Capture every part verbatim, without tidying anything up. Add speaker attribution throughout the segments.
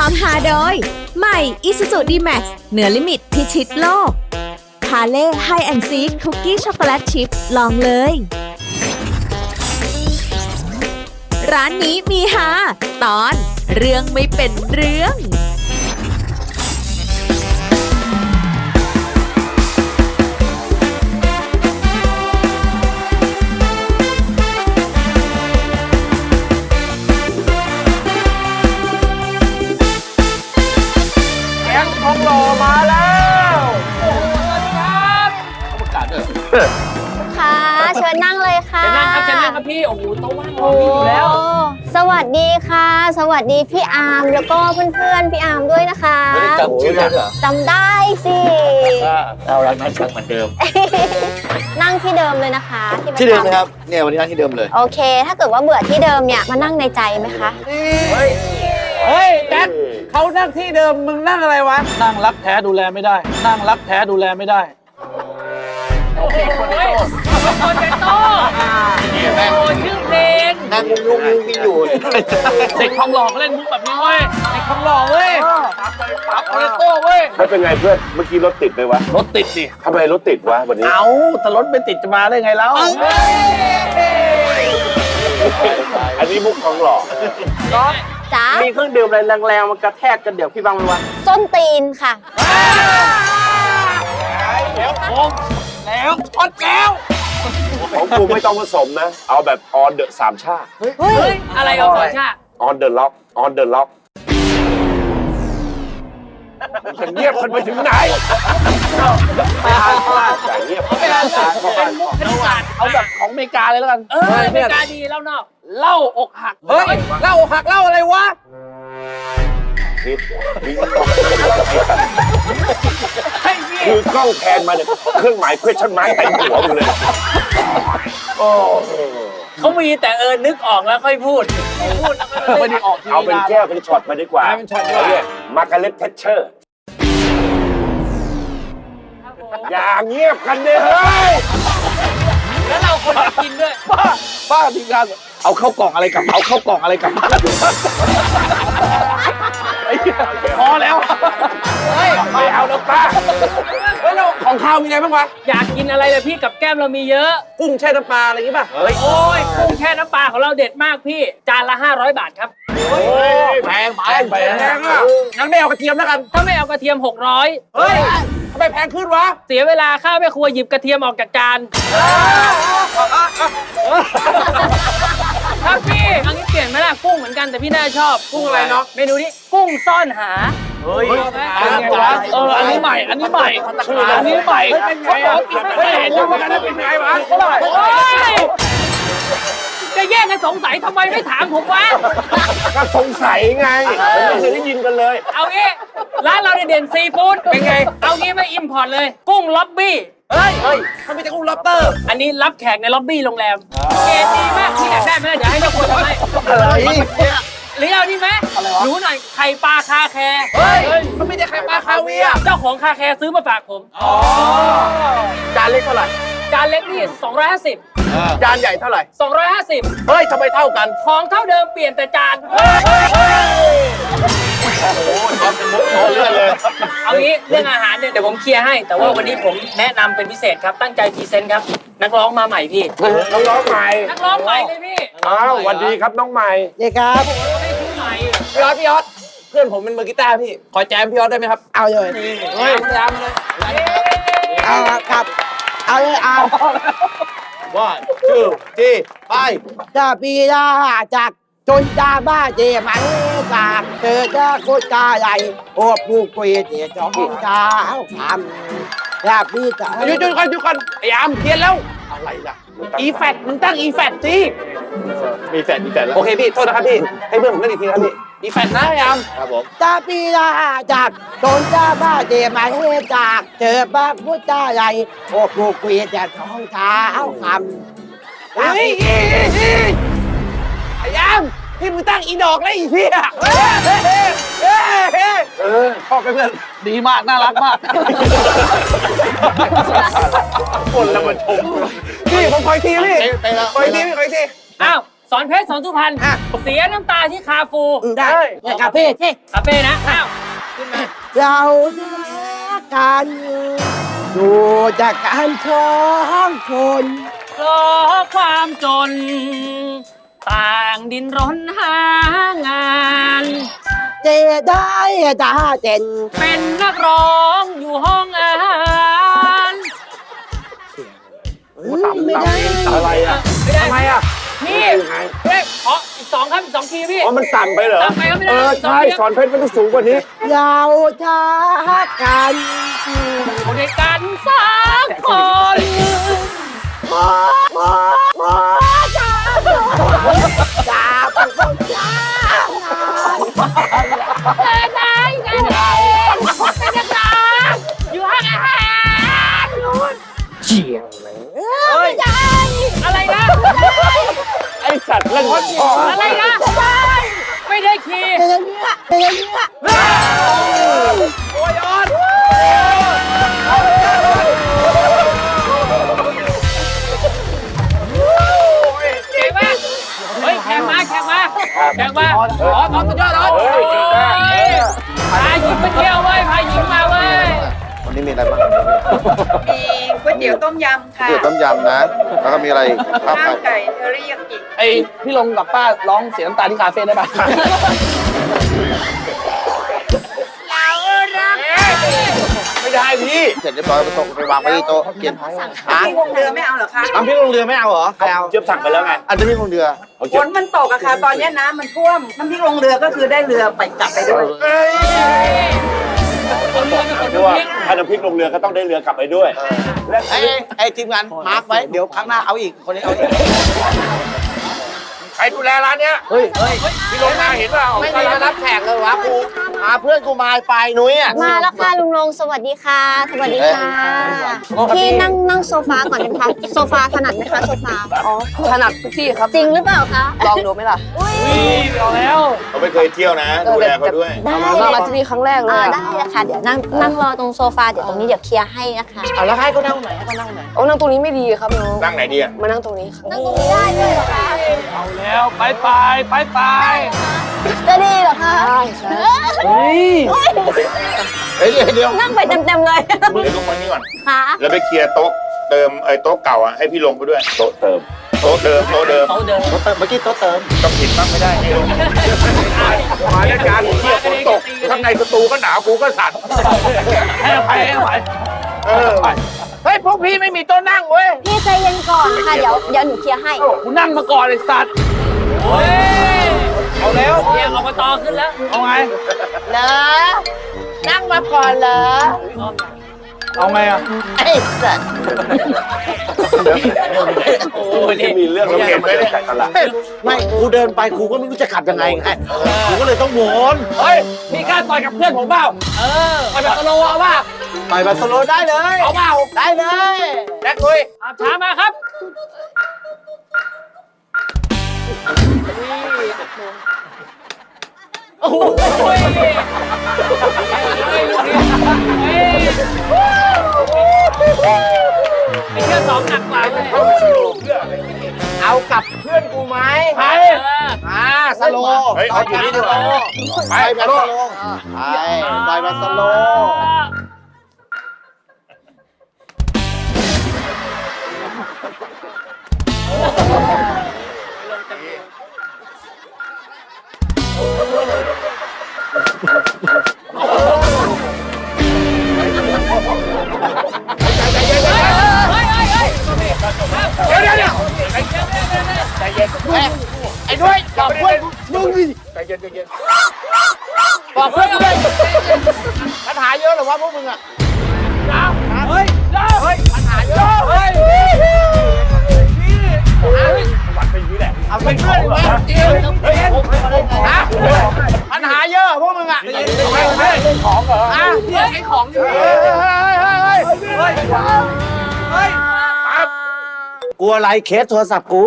Speaker 1: ความหาโดยใหม่ Isuzu ดี แม็กซ์ เหนือลิมิตพิชิตโลกพาเล่ไฮแอนด์ซีคุกกี้ช็อกโกแลตชิพลองเลยร้านนี้มีฮาตอนเรื่องไม่เป็นเรื่อง
Speaker 2: ทองหล่อมาแล้วโอ้โหสวัสดีครับเอาประกาศด้วย
Speaker 3: ค่ะเชิญนั่งเลยค่ะ
Speaker 2: เชิญนั่งครับเชิญนั่งครับพี่โอ้โหโต๊ะว่างรอพี่อยู่แล้ว
Speaker 3: สวัสดีค่ะ สวัสดีพี่อาร์มแล้วก็เพื่อนๆพี่อาร์มด้วยนะคะ
Speaker 2: ไม่ได้จำชื่อได้เหรอ
Speaker 3: จำได้สิ
Speaker 2: เรารักนัดช่างเหมือนเดิม
Speaker 3: นั่งที่เดิมเลยนะคะ
Speaker 4: ที่เดิมนะครับเนี่ยวันนี้นั่งที่เดิมเลย
Speaker 3: โอเคถ้าเกิดว่าเบื่อที่เดิมเนี่ยมานั่งในใจไหมคะ
Speaker 2: เฮ้ยเฮ้ยแจ็คเขานั่งที่เดิมมึงนั่งอะไรวะนั่งรักแท้ดูแลไม่ได้นั่งรักแท้ดูแลไม่ได้โอ้โหโปเตโต้โอ้ชื่อเพลง
Speaker 4: นั่งงงงงอยู่
Speaker 2: เด็กทองหล่อเขาเล่นมุกแบบนี้เว้ยเด็กทองหล่อเว้ยปั๊บโปเตโต้เว้ย
Speaker 5: ไม่เป็นไงเพื่อนเมื่อกี้รถติดไหมวะ
Speaker 2: รถติดดิ
Speaker 5: ทำไมรถติดวะวันนี้
Speaker 2: เอาแต่รถไม่ติดจะมาได้ไงแล้ว
Speaker 5: อันนี้มุกทองหล่อ
Speaker 3: จ้า
Speaker 2: มีเครื่องดื่มอะไรแรงๆมันกระแทกกันเดี๋ยวพี่บังมันวะ
Speaker 3: ส้นตีนค่ะ
Speaker 2: แล้วโค้งแล้วช็อตแล้ว
Speaker 5: ของกูไม่ต้องผสมนะเอาแบบ on the สามชา
Speaker 2: เฮ้ยอะไรเอาสามชา
Speaker 5: on the lock on the lock จะเงียบกันไปถึงไหน
Speaker 2: ไม่อ่านไม่อ่าน
Speaker 5: อย่าเงียบ
Speaker 2: ไม่อ่านเป็นมุกคณิตศาสตร์เอาแบบของอเมริกาเลยแล้วกันเอออเมริกาดีเล่านอกเล่าอกหักเฮ้ยเล่าอกหักเล่าอะไรวะ
Speaker 5: ผิดคือกล้องแทนมาเนี่ยเครื่องหมาย question mark เต็มหัวอยู่เลยโอ้
Speaker 2: เขามีแต่เออนึกออกแล้วค่อยพูดพูดแล้วไม่ได้ออก
Speaker 5: เอาเป็นแก้วเป็นช็อตมาดีกว่า
Speaker 2: เป็นช็อตว่า
Speaker 5: มาร์กาเร็ต แทชเชอร์อย่าเงียบกันเลยเฮ้ย
Speaker 2: แล้วเราคนกินด้วยป้าป้าทีมงานเอาเข้ากล่องอะไรกลับเอาเข้ากล่องอะไรกลับพอแล้ว
Speaker 5: เฮ้ยไม่เอาแล้วป้า
Speaker 2: เฮ้ยเราของข้าวมีอะไรบ้างวะอยากกินอะไรเลยพี่กับแก้มเรามีเยอะกุ้งแช่น้ำปลาอะไรอย่างงี้ป่ะเฮ้ยโอ้ยกุ้งแช่น้ำปลาของเราเด็ดมากพี่จานละห้าร้อยบาทครับ
Speaker 5: โอ้ยแพงไปแพงอ่ะ
Speaker 2: งั้นไม่เอากระเทียมแล้วกันถ้าไม่เอากระเทียมหกร้อยเฮ้ยทำไมแพงขึ้นวะเสียเวลาข้าวแม่ครัวหยิบกระเทียมออกจากจานครับพี่อันนี้เปลี่ยนไหมล่ะกุ้งเหมือนกันแต่พี่น่าชอบกุ้งอะไรเนาะเมนูนี้กุ้งซ่อนหาเฮ้ยเอออันนี้ใหม่อันนี้ใหม่อันนี้ใหม่เป็นไงอ่ะไม่เห็นแล้วมันจะเป็นไงวะจะแย่งกันสงสัยทำไมไม่ถามผมวะ
Speaker 5: ก็สงสัยไงไม่เคยได้ยินกันเลย
Speaker 2: เอางี้ร้านเราเด่นซีฟู้ดเป็นไงเอางี้ไม่อิมพอร์ตเลยกุ้งล็อบบี้เฮ้ยเฮ้ยเขาไม่ใช่กุ้งล็อบเตอร์อันนี้รับแขกในล็อบบี้โรงแรมเกรดดีมากที่อยากได้ไหมเดี๋ยวให้เราคนทำให้
Speaker 4: อะไร
Speaker 2: หรือเอานี่ไหมรู้หน่อยไข่ปลาคาแคร์เฮ้ยเขาไม่ใช่ไข่ปลาคาเวียเจ้าของคาแคร์ซื้อมาฝากผมอ๋อจานเล็กเท่าไหร่จานเล็กนี่สองร้อยห้าสิบ
Speaker 4: จานใหญ่เท่าไหร่
Speaker 2: สองร้อยห้าสิบ
Speaker 4: เฮ้ยทำไมเท่ากัน
Speaker 2: ของเท่าเดิมเปลี่ยนแต่จาน
Speaker 4: โอ้ยเป็นมุกโตเรื่อยเลย
Speaker 2: เอางี้เรื่องอาหารเนี่ยเดี๋ยวผมเคลียร์ให้แต่ว่าวันนี้ผมแนะนำเป็นพิเศษครับตั้งใจพรีเซนต์ครับนักร้องมาใหม่พี่
Speaker 5: นักร้องใหม่
Speaker 2: นักร้องใหม่เลยพี่
Speaker 5: อ้าวสวัสดีครับน้องใหม่
Speaker 4: นี่ครับ
Speaker 2: พี่ยอดพี่ยอดเพื่อนผมเป็นมือกีตาร์พี่ขอแจมพี่ยอดได้ไหมครับ
Speaker 4: เอาเลย
Speaker 2: เฮ้ยแจมเลย
Speaker 4: เอาครับเอาเลยเอา
Speaker 5: ว่าชื่อที่ไป
Speaker 4: จะปีดาจากจนดาบ้าเจมันจากเธอจะโคตรใหญ่โอ้ผู้คุยเดี๋ยวจองเช้าทำแบบพี่จะ
Speaker 2: หยุดหยุดก่อนหยุดก่อนไอ้อามเพี้ยนแล้ว
Speaker 5: อะไรล่ะ
Speaker 2: อีแฟตมึงตั้งอีแฟตสิ
Speaker 5: มีแฟตมีแฟตแล้ว
Speaker 2: โอเคพี่โทษนะครับพี่ให้เพื่อนผมเล่นอีกทีครับพี่อีแฟตนะไอ้อาม
Speaker 5: ครับผม
Speaker 4: จะปีดาจากจนดาบ้าเจมันจากเธอบ้าผู้ใหญ่โอ้ผู้คุยเดี๋ยวจองเช้าทำ
Speaker 2: เฮ้ยไอ้อามพี่มึงตั้งอีดอกแล้วอีพี่อ่ะ
Speaker 5: เออ
Speaker 2: ชอบเพื่อนดีมากน่ารักมาก
Speaker 5: คนละมาชม
Speaker 2: พี่ผมคอยทีพี่คอยทีพี่คอยทีอ้าว
Speaker 6: สอนเพชรสอนสุพรรณเสียน้ำตาที่คาฟู
Speaker 4: ได้เนี่ยคาเฟ่ที่
Speaker 6: คาเฟ่นะอ้าวขึ้นมา
Speaker 4: เรารักกันดูจากการท้องคน
Speaker 6: เพราะความจน ต่างดินรนหางาน
Speaker 4: เจได้ตาเจน
Speaker 6: เป็นนักร้องอยู่ห้องอาหาร
Speaker 4: ไม่ได้
Speaker 5: อะไรอ่ะ
Speaker 6: ไม่ได้
Speaker 2: ทำไมอ่ะ
Speaker 6: พี่เฮ้ยขออีกสองครับอีกสองทีพี่
Speaker 5: อ๋อมันต่ำไปเหรอ
Speaker 6: ต่ำไปครับไม่ได้
Speaker 5: เออใช่สอนเพชรมันต้องสูงกว่านี้
Speaker 4: เราทักกัน
Speaker 6: อยู่ด้วยกันสามคน
Speaker 4: หมอหมอหมอจ้าจ้าผู้คนจ้า
Speaker 6: เดินไหนเดินไหนเป็นนักร้องอยู่ห้องอาหารนู่น
Speaker 5: เจียง
Speaker 6: ไม่ได้อะไรนะ
Speaker 5: ไอสัตว์เล่นวันพ่อ
Speaker 6: อะไรนะไม่ได้ขี่
Speaker 4: เป็นอย่างนี้เป็นอย่างนี้
Speaker 2: โอ้ยออน
Speaker 6: เก่งมากเฮ้ยแข่งมาแข่งมาแข่งมาอ๋ออ๋อสุดยอดอ๋อ
Speaker 5: เฮ้ยเก่งมากเออ
Speaker 6: พาหญิงไปเที่ยวเว้ยพาหญิงมาเว้ย
Speaker 7: วันนี้มีอะไรบ้าง
Speaker 8: มีก๋วยเตี๋ยวต้มยำค่ะ
Speaker 7: เตี๋ยวต้มยำนะ แล้วก็มีอะไรข้าว
Speaker 8: ข้าว
Speaker 7: ไก่
Speaker 8: ไก่เทอริยากิ
Speaker 2: ไอพี่ลงกับป้าร้องเสียน้ำตาที่คาเฟ่ได้ป่ะ
Speaker 5: ไม่ได้พี่
Speaker 7: เสร็จเรียบร้อยไปส่งไปวางไว้ที่โต๊ะกิน
Speaker 8: พี่คงเรือไม่เอาเหรอคะ
Speaker 7: น้ำพริกลงเรือไม่เอาเหรอใครเอา
Speaker 5: เจี๊ยบสั่งไปแล้วไง
Speaker 7: อันนี้พริกลงเรือ
Speaker 5: เอา
Speaker 8: ฝ
Speaker 5: เจี๊ยบ
Speaker 8: นมันตกอะค่ะ ตอนนี้น้ำมันท่วม น้ำพริกลงเรือก็คือได้เรือไปกลับไปด้วย
Speaker 5: เอ้ย
Speaker 6: คนเรือเป็นคน
Speaker 5: เพราะว่า
Speaker 6: เพี้ยน
Speaker 5: ถ้าน้ำพริกลงเรือก็ต้องได้เรือกลับไปด้วยและ
Speaker 7: ไอ้ไอ้ทีมงานมาร์คไว้ เดี๋ยวครั้งหน้าเอาอีก คนนี้เอาอีก
Speaker 5: ใครดูแลร้านเนี้ย
Speaker 7: เฮ้ย เฮ้ย
Speaker 5: พี่ลงมาเห็นเปล่า
Speaker 7: ไม่มีมารับแขกเลยวะกูพาเพื่อนกูมาไปนุ้ยอ่ะ
Speaker 3: มาแล้วค่ะลุงลงสวัสดีค่ะ สวัสดีค่ะพี่นั่งนั่งโซฟาก่อนนะคะโซฟาถนัดไหมคะโซฟาอ๋อ
Speaker 8: ถนัดทุกที่ครับ
Speaker 3: จริงหรือเปล่าคะ
Speaker 8: ลองดูไหมล่ะ
Speaker 3: อุ้ย
Speaker 2: เอาแล้ว
Speaker 5: เขาไม่เคยเที่ยวนะ ดูแลเขาด้วย
Speaker 3: ได้
Speaker 8: มาที่นี่ครั้งแรกเลย
Speaker 3: อ่า
Speaker 8: อะ
Speaker 3: ได้เลยค่ะเดี๋ยวนั่งนั่งรอตรงโซฟาเดี๋ยวตรงนี้เดี๋ยวเคลียร์ให้นะคะ
Speaker 7: เอาแล้วให้เขานั่งไหนให้เขานั่งไหน
Speaker 8: โอ้นั่งตรงนี้ไม่ดีครับน้อง
Speaker 5: นั่งไหนดีอ่ะ
Speaker 8: มานั่งตรงนี้ครับ
Speaker 3: นั่งตรงนี้ได้ด้วยเหรอคะ
Speaker 2: เอาแล้วไปไปไปไป
Speaker 3: จะดีเหรอคะ
Speaker 2: เฮ้ย
Speaker 5: เฮ้ยเดี๋ยวเดี๋ยว
Speaker 3: นั่งไปเต็มๆเลย
Speaker 5: เดี๋ยวลงมานี่ก่อน
Speaker 3: ค่ะ
Speaker 5: แล้วไปเคลียร์โต๊ะเติมไอ้โต๊ะเก่าอ่ะให้พี่ลงไปด้วย โต๊ะเติม โต๊ะเดิม โต๊ะเดิม
Speaker 6: เขาเดิน
Speaker 7: โต๊ะเติมเมื่อกี้โต๊ะเติม
Speaker 5: ต้องผิดบ้างไม่ได้ให้ลงมาแล้วการเที่ยวฝนตก ข้างในสตูก็หนาวกูก็สั่น
Speaker 2: ให้อภัยให้อภัย
Speaker 5: เออ
Speaker 2: เฮ้ยพวกพี่ไม่มีโต๊ะนั่งเว้ย
Speaker 3: พี่ใจเย็นก่อนค่ะเดี๋ยวเดี๋ยวหนูเคลียร์ให้
Speaker 2: กูนั่งมาก่อนไอ้สัตว์
Speaker 6: โอ้ย
Speaker 2: เอาแล้ว
Speaker 6: เรียกอบตขึ้นแล้ว
Speaker 2: เอาไง
Speaker 4: เหรอนั่งมาก่อนเหรอ
Speaker 2: เอาไงอ่ะ
Speaker 4: ไอ้สัตว์
Speaker 6: โอ้ยนี่
Speaker 5: มีเรื่องเราเห็นไหมเนี่ย
Speaker 7: ไม่กูเดินไปกูก็ไม่รู้จะขับยังไงไงกูก็เลยต้องวน
Speaker 2: เฮ้ยพี่กล้าต่อยกับเพื่อนผมเปล่า
Speaker 6: เออ
Speaker 2: ต่อยแบบสโลว์เอาเปล่า
Speaker 7: ไปบาร์เซโลนาได้เลย
Speaker 2: เอาเปล่า
Speaker 7: ได้เลย
Speaker 2: แจ็คลุย
Speaker 6: อาช้ามาครับ โอ้โหเฮ้ยเฮ้ยลูกนี้เฮ้ยไอ้เชื่อสองหนักกว่าเลย
Speaker 4: เอากับเพื่อนกูไหม
Speaker 2: ใคร
Speaker 4: อ่าสโล
Speaker 5: เฮ้ยเอาอยู่นี่ดีกว่า
Speaker 7: ไปบาร์เซโลไปไปบาร์เซโล
Speaker 5: เดี๋ยวเดี๋ยวเดี๋ยว
Speaker 7: ไอ้ด้วยบอกเพื่อนมึงดิ
Speaker 5: ใจเย็นใจเย็น
Speaker 7: บอกเพื่อนกูด้วยปัญหาเยอะเหรอวะพวกมึงอ่ะ
Speaker 2: เฮ้ยเฮ้ยปัญหาเยอะเฮ้ย
Speaker 5: วัดเป็นอย่างนี้แหละ
Speaker 7: เอาเป็นเพื่อนดิวะ
Speaker 2: เฮ้ยเฮ้ย
Speaker 7: ฮะปัญหาเยอะพวกมึงอ่ะ
Speaker 2: ของเหรอ
Speaker 7: ฮะ
Speaker 2: เฮ้ยไอ้ของอยู่
Speaker 7: เฮ้ยเฮ้ยเฮ้ยเฮ้ย
Speaker 2: เฮ้ยเฮ้ย
Speaker 7: กูอะไรเคสโทรศัพท์กู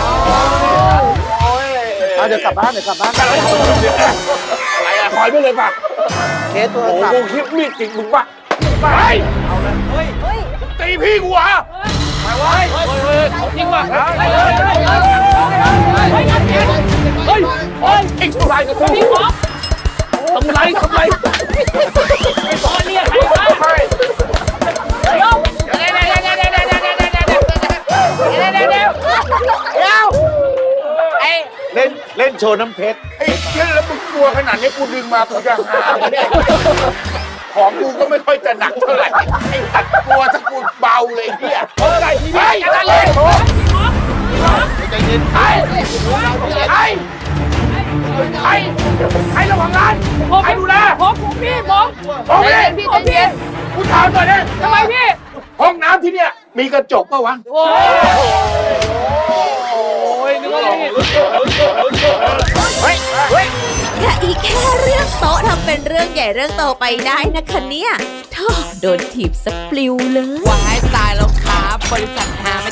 Speaker 7: เอาเดี๋ยวกลับบ้านเดี๋ยวกลับบ้าน
Speaker 5: อะไรอะถอยไปเลยป่ะ
Speaker 7: เคสโทร
Speaker 5: โอ้โห
Speaker 7: ศัพท์
Speaker 5: กูคิดมีดจริงมึงป่ะไปตีพี่กูเหรอ
Speaker 2: เฮ้ยเฮ้ยจริงว่ะเฮ้ยเฮ้ยเฮ้ยเฮ้ย
Speaker 5: ไอ้ชั่วร้ายกับกู
Speaker 6: พี่ป๊อป
Speaker 2: ทำไรทำไร
Speaker 6: ไอ้ป๊อปเนี่ยใครวะ
Speaker 5: ไม่
Speaker 6: เดี๋ยวเดี๋ยวเดี๋ยวเดี๋ยวเดี๋ยวเดี๋ยวเดี๋ยวเดี๋ยวเดี๋ยวเดี๋ยวเดี๋ยวเดี๋ยวไอ้
Speaker 5: เล่นเล่นโชว์น้ำเพชรไอ้เชี่ยแล้วมึงกลัวขนาดนี้กูดึงมากูจะหาเนี่ยของกูก็ไม่ค่อยจะหนักเท่าไหร่ไอ้สัตว์กลัวถ้ากูเบาเลยเนี่ยโอ้ยพี่พี่อย่าละเลยโอ้ใจเย็นไอ้ไอ้ไอ้ไอ้ระวังงาน
Speaker 6: ผม
Speaker 5: ไอ้ดูแล
Speaker 6: ผมผมพี่ผม
Speaker 5: โอเค
Speaker 6: พี่ผมพี่
Speaker 5: กูถามหน่อยนะ
Speaker 6: ทำไมพี่
Speaker 5: ห้องน้ำที่เนี่ยมีกระจกป่ะวะ
Speaker 6: โอ้ย
Speaker 2: โอ้ยนึกว่านี่
Speaker 5: เฮ้ยเฮ้ย
Speaker 1: อย่าอีกแค่เรื่องโต๊ะทำเป็นเรื่องใหญ่เรื่องโตไปได้นะคะเนี่ยท่อโดนถีบสปลิวเลย
Speaker 9: วายตายแล้วครับบริษัทหาไม่